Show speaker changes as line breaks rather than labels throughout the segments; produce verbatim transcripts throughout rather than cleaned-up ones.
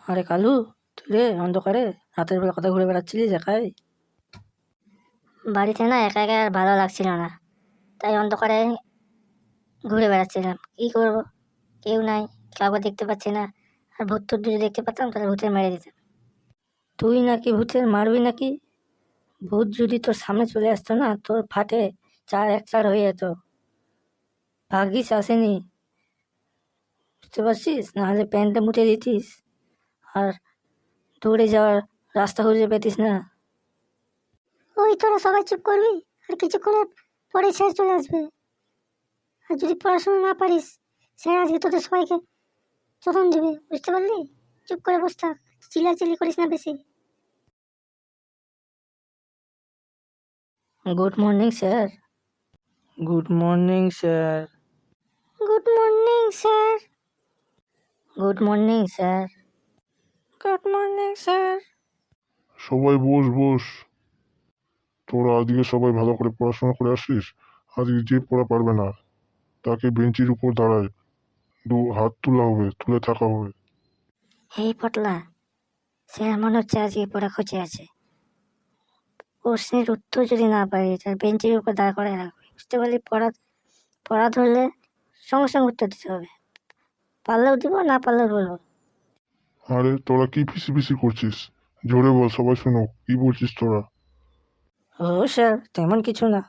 আরে কালু, তুই রে অন্ধকারে রাতের বেলা কথা ঘুরে বেড়াচ্ছিলিস একাই?
বাড়িতে না একা একা আর ভালো লাগছিল না, তাই অন্ধকারে ঘুরে বেড়াচ্ছিলাম। কি করব, কেউ নাই, কাউকে দেখতে পাচ্ছি না। আর ভূত টুত যদি দেখতে পেতাম তাহলে ভূতের মেরে দিতাম।
তুই নাকি ভূতের মারবি নাকি? ভূত যদি তোর সামনে চলে আসতো না, তোর ফাটে চার এক চার হয়ে যেত। ভাগ্যিস আসেনি, বুঝতে পারছিস? নাহলে প্যান্টটা মুটে দিতিস আর দৌড়ে যাওয়ার রাস্তা খুঁজে পেতিস না।
ওই তোরা সবাই চুপ করবি, আর কিছুক্ষণের পরে স্যার চলে আসবে। আর যদি পড়াশোনা না পারিস, স্যার আজকে তোদের সবাইকে চোদন দেবে, বুঝতে পারলি? চুপ করে বসে থাক, চিল্লাচিল্লি করিস না বেশি।
Good morning sir. Good morning sir.
Good morning sir.
Good morning sir. Good morning sir.
সবাই বস বস। তোরা আজকে সবাই ভালো করে পড়াশোনা করে আসিস। আজকে যে পড়া পারবে না তাকে বেঞ্চির উপর দাঁড়ায় দু হাত তোলা হবে, তুলে থাকা হবে।
এই পটলা, স্যার মনে হচ্ছে আজকে পড়া খোঁজে আছে। প্রশ্নের উত্তর যদি না পারি তার বেঞ্চের উপর দাঁড় করে রাখবে, বুঝতে পারলি? পড়া পড়া ধরলে সঙ্গে সঙ্গে উত্তর দিতে হবে, পারলেও দিব, না পারলেও বলবো।
আরে তোরা কি ফিসি ফিসি করছিস? জোরে বল, সবাই শোনো কি বলছিস তোরা।
ও স্যার, তেমন কিছু না।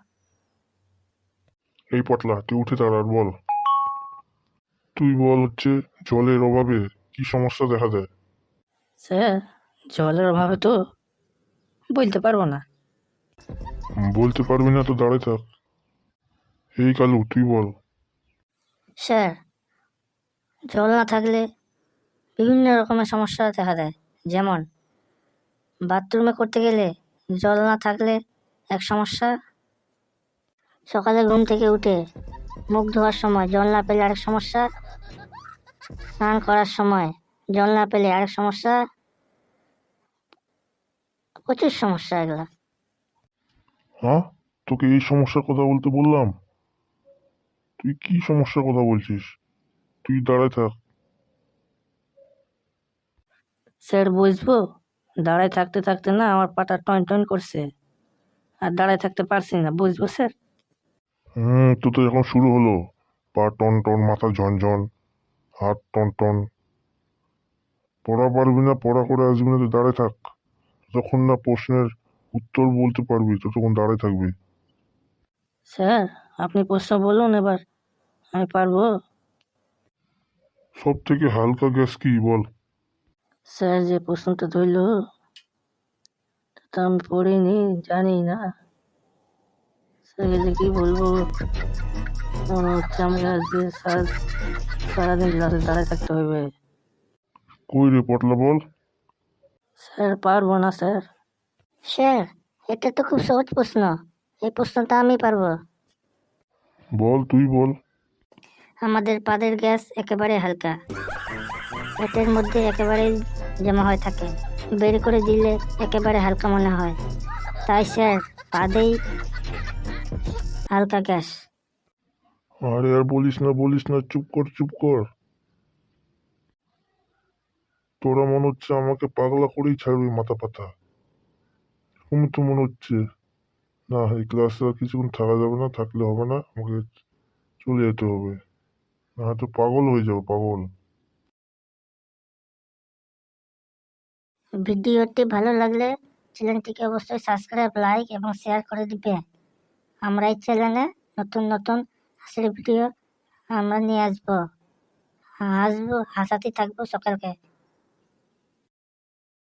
এই পটলা, তুই উঠে দাঁড়া আর বল। তুই বল হচ্ছে জলের অভাবে কি সমস্যা দেখা দেয়?
স্যার, জলের অভাবে তো বলতে পারবো না।
বলতে পারবি না তো দাঁড়ায় থাক। এই কালু, তুই বল।
স্যার, জল না থাকলে বিভিন্ন রকমের সমস্যা দেখা দেয়। যেমন বাথরুমে করতে গেলে জল না থাকলে এক সমস্যা, সকালে ঘুম থেকে উঠে মুখ ধোয়ার সময় জল না পেলে আরেক সমস্যা, স্নান করার সময় জল না পেলে আরেক সমস্যা, প্রচুর সমস্যা এগুলা।
হ্যাঁ, তোকে এই সমস্যার কথা বলতে বললাম? তুই কি সমস্যার কথা বলছিস? তুই দাঁড়ায় থাক।
স্যার বুঝবো? দাঁড়ায় থাকতে থাকতে না আমার পাটা টন টন করছে, আর দাঁড়ায় থাকতে পারছি না, বুঝবো স্যার?
হুম, তো তো এখন শুরু হলো। পা টন টন, মাথা ঝনঝন, হাত টন টন। পড়া পারবি না, পড়া করে আসবি না, তো দাঁড়ায় থাক। যতক্ষণ না প্রশ্নের উত্তর বলতে পারবি ততক্ষণ দাঁড়ায় থাকবি।
স্যার, আপনি প্রশ্ন বলুন এবার, আমি পারবো।
সব থেকে হালকা গ্যাস কি বল?
স্যার, যে প্রশ্নটা ধরল তা আমি পড়িনি, জানি না। স্যারকে যে কি বলবো, মনে হচ্ছে আমাকে আজকে সারা সারাদিন ক্লাসে দাঁড়ায় থাকতে হবে।
কই রে পটলা, বল।
স্যার, পারবো না স্যার।
স্যার, এটা তো খুব সহজ প্রশ্ন, এই প্রশ্নটা আমি পারবো।
বল, তুই বল।
আমাদের পাদের গ্যাস একেবারে হালকা, পেটের মধ্যে একেবারে জমা হয়ে থাকে, বের করে দিলে একেবারে হালকা মনে হয়। তাই স্যার, পাদেই হালকা গ্যাস।
আরে আর বলিস না, বলিস না, চুপ কর, চুপ কর। তোরা মনে হচ্ছে আমাকে পাগলা করেই ছাড়বি মাথা পাতা। এরকম তো মনে হচ্ছে। না, এই ক্লাসে আর কিছুক্ষণ থাকা যাবে না, থাকলে হবে না, আমাকে চলে যেতে হবে, না হয়তো পাগল হয়ে যাবো, পাগল।
ভিডিওটি ভালো লাগলে চ্যানেলটিকে অবশ্যই সাবস্ক্রাইব, লাইক এবং শেয়ার করে দিবে। আমরা এই চ্যানেলে নতুন নতুন হাসির ভিডিও আমরা নিয়ে আসবো, হাসবো, হাসাতে থাকবো সকালকে।